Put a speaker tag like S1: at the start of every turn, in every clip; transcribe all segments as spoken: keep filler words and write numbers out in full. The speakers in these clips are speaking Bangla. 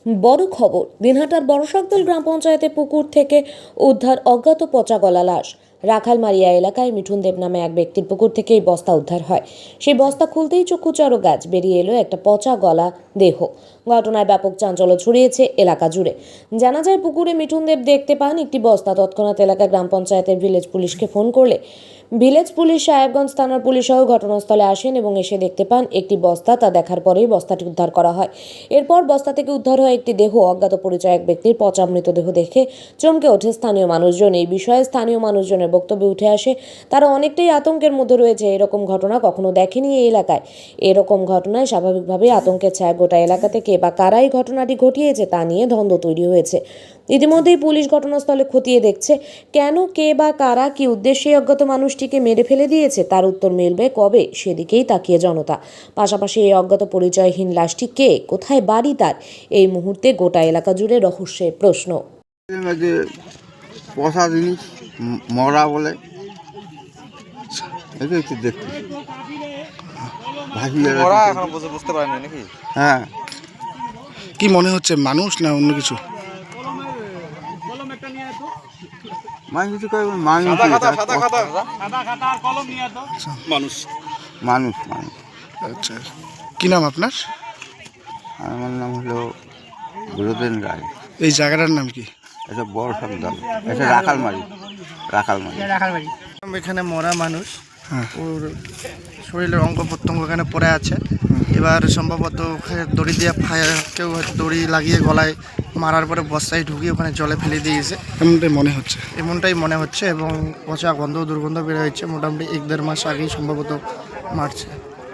S1: বড় খবর, দিনহাটার বড়শাকদল গ্রাম পঞ্চায়েতে পুকুর থেকে উদ্ধার অজ্ঞাত পচা গলা লাশ। রাখালমারিয়া এলাকায় মিঠুন দেব নামে এক ব্যক্তির পুকুর থেকে এই বস্তা উদ্ধার হয়। সেই বস্তা খুলতেই চক্ষুচড় গাছ, বেরিয়ে এলো একটা পচা গলা দেহ। ঘটনায় ব্যাপক চাঞ্চল্য ছড়িয়েছে এলাকা জুড়ে। জানা যায়, পুকুরে মিঠুন দেব দেখতে পান একটি বস্তা। তৎক্ষণাৎ এলাকায় গ্রাম পঞ্চায়েতের ভিলেজ পুলিশকে ফোন করলে ভিলেজ পুলিশ সাহেবগঞ্জ থানার পুলিশ সহ ঘটনাস্থলে আসেন এবং এসে দেখতে পান একটি বস্তা। তা দেখার পরেই বস্তাটি উদ্ধার করা হয়। এরপর বস্তা থেকে উদ্ধার হয় একটি দেহ। অজ্ঞাত পরিচয় এক ব্যক্তির পচা মৃতদেহ দেখে চমকে ওঠে স্থানীয় মানুষজন। এই বিষয়ে স্থানীয় মানুষজনের বক্তব্যে উঠে আসে, তারা অনেকটাই আতঙ্কের মধ্যে রয়েছে। এরকম ঘটনা কখনো দেখেনি এই এলাকায়। এরকম ঘটনায় স্বাভাবিকভাবেই আতঙ্কের ছায়া গোটা এলাকা থেকে। বা কারাই ঘটনাটি ঘটিয়েছে তা নিয়ে দ্বন্দ্ব তৈরি হয়েছে। ইতিমধ্যেই পুলিশ ঘটনাস্থলে খতিয়ে দেখছে, কেন, কে বা কারা কি উদ্দেশ্যে অজ্ঞাত মানুষটিকে মেরে ফেলে দিয়েছে তার উত্তর মিলবে কবে, সেদিকেই তাকিয়ে জনতা। পাশাপাশি এই অজ্ঞাত পরিচয়হীন লাশটি কে, কোথায় বাড়ি তার, এই মুহূর্তে গোটা এলাকা জুড়ে রহস্যের প্রশ্ন।
S2: পচা জিনিস মরা বলে একটু দেখতে
S3: বুঝতে পারেনি নাকি?
S2: হ্যাঁ,
S4: কি মনে হচ্ছে, মানুষ না অন্য কিছু?
S2: মানুষ কিছু মানুষ
S4: মানুষ
S2: মানুষ মানুষ
S4: আচ্ছা, কি নাম আপনার?
S2: আমার নাম হলো গুরুদেন রায়।
S4: এই জায়গাটার নাম কি?
S2: এটা বড় সন্তান, এটা রাখালমারি রাখালমারি
S5: রাখালবাড়ি। এখানে মরা মানুষ,
S4: হ্যাঁ।
S5: ওর শরীরের অঙ্গ প্রত্যঙ্গ এখানে পড়ে আছে। এবার সম্ভবত দড়ি দিয়ে ফায়ার, কেউ হয়তো দড়ি লাগিয়ে গলায় মারার পরে বস্তায় ঢুকিয়ে ওখানে জলে ফেলে দিয়েছে,
S4: এমনটাই মনে হচ্ছে।
S5: এমনটাই মনে হচ্ছে। এবং পচা গন্ধ, দুর্গন্ধ বের হয়েছে। মোটামুটি এক দেড় মাস আগেই সম্ভবত মারছে।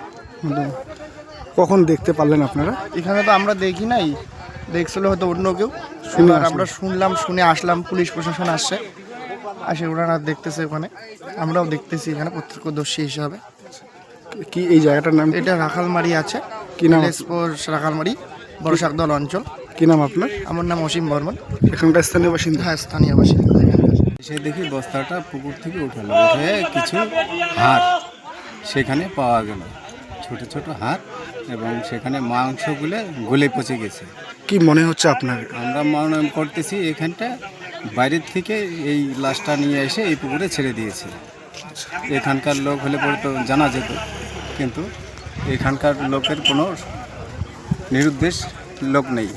S4: কখন দেখতে পারলেন আপনারা?
S5: এখানে তো আমরা দেখি নাই, দেখছিল হয়তো অন্য কেউ।
S4: শুনে
S5: আর আমরা শুনলাম, শুনে আসলাম, পুলিশ প্রশাসন আসছে, আসে ওনারা দেখতেছে ওখানে, আমরাও দেখতেছি এখানে প্রত্যক্ষদর্শী হিসাবে।
S4: কি এই জায়গাটার নাম?
S5: এটা রাখালমারি আছে,
S4: কি নাম?
S5: রাখালমারি বড়শাকদল অঞ্চল।
S4: কি নাম আপনার?
S5: আমার নাম অসীম বর্মন।
S4: এখানকার স্থানীয় বাসিন্দা?
S5: হ্যাঁ, স্থানীয় বাসিন্দা।
S6: সে দেখি বস্তাটা পুকুর থেকে উঠালো, উঠে কিছু হাড় সেখানে পাওয়া গেল, ছোট ছোট হাড়, এবং সেখানে মাংসগুলো গলে পচে গেছে।
S4: কি মনে হচ্ছে আপনার?
S6: আমরা মনে করতেছি এখানটা বাইরের থেকে এই লাশটা নিয়ে এসে এই পুকুরে ছেড়ে দিয়েছে। এখানকার লোক হলে পরে তো জানা যেত, কিন্তু এখানকার লোকের কোনো নিরুদ্দেশ লোক নেই।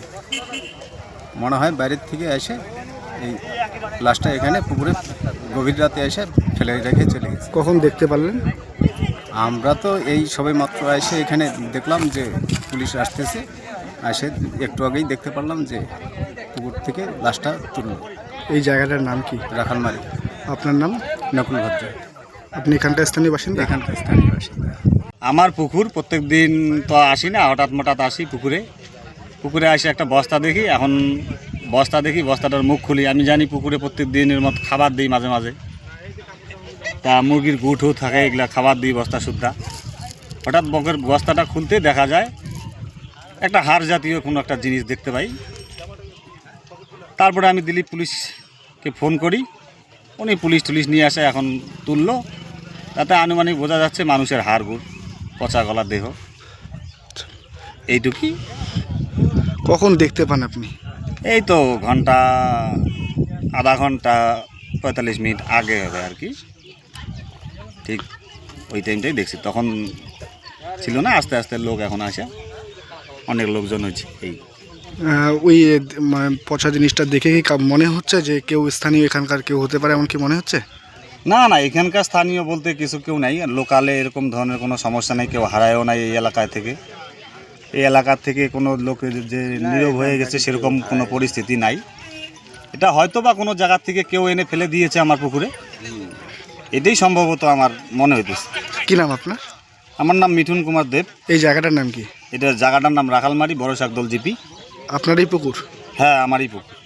S6: মনে হয় বাইরের থেকে এসে এই লাশটা এখানে পুকুরে গভীর রাতে এসে ফেলে রেখে চলে গেছে।
S4: কখন দেখতে পারলেন?
S6: আমরা তো এই সবে মাত্র এসে এখানে দেখলাম যে পুলিশ আসতেছে, এসে একটু আগেই দেখতে পারলাম যে পুকুর থেকে লাশটা তুলল।
S4: এই জায়গাটার নাম কি?
S6: রাখালমারি।
S4: আপনার নাম?
S6: নকুল ভদ্র।
S4: আপনি এখানকার স্থানীয় বাসিন্দা?
S6: এখানকার স্থানীয় বাসিন্দা।
S7: আমার পুকুর, প্রত্যেক দিন তো আসি না, হঠাৎ মঠাৎ আসি পুকুরে। পুকুরে আসে একটা বস্তা দেখি, এখন বস্তা দেখি, বস্তাটার মুখ খুলি। আমি জানি পুকুরে প্রত্যেক দিনের মতো খাবার দিই মাঝে মাঝে, তা মুরগির গুঁঠো থাকে, এগুলা খাবার দিই বস্তা শুদ্ধা। হঠাৎ বকের বস্তাটা খুলতে দেখা যায় একটা হাড় জাতীয় কোনো একটা জিনিস দেখতে পাই। তারপরে আমি দিলীপ পুলিশকে ফোন করি, উনি পুলিশ টুলিশ নিয়ে আসে, এখন তুললো। তাতে আনুমানিক বোঝা যাচ্ছে মানুষের হাড় গুড়, পচা গলার দেহ, এইটুকুই।
S4: কখন দেখতে পান আপনি?
S7: এই তো ঘন্টা, আধা ঘন্টা পঁয়তাল্লিশ মিনিট আগে হবে আর কি, ঠিক ওই টাইমটাই দেখছি। তখন ছিল না, আস্তে আস্তে লোক এখন আসে, অনেক লোকজন হয়েছে। এই
S4: ওই পচা জিনিসটা দেখে কি মনে হচ্ছে যে কেউ স্থানীয় এখানকার কেউ হতে পারে, এমন কি মনে হচ্ছে?
S7: না না, এখানকার স্থানীয় বলতে কিছু কেউ নাই, লোকালে এরকম ধরনের কোনো সমস্যা নেই, কেউ হারায়ও নাই এই এলাকায় থেকে। এই এলাকার থেকে কোনো লোক যে নীরব হয়ে গেছে সেরকম কোনো পরিস্থিতি নাই। এটা হয়তো বা কোনো জায়গার থেকে কেউ এনে ফেলে দিয়েছে আমার পুকুরে, এটাই সম্ভবত আমার মনে হইতেছে।
S4: কি নাম আপনার?
S7: আমার নাম মিঠুন কুমার দেব।
S4: এই জায়গাটার নাম কি?
S7: এটা জায়গাটার নাম রাখালমারি বড়শাকদল জিপি।
S4: আপনারই পুকুর?
S7: হ্যাঁ, আমারই পুকুর।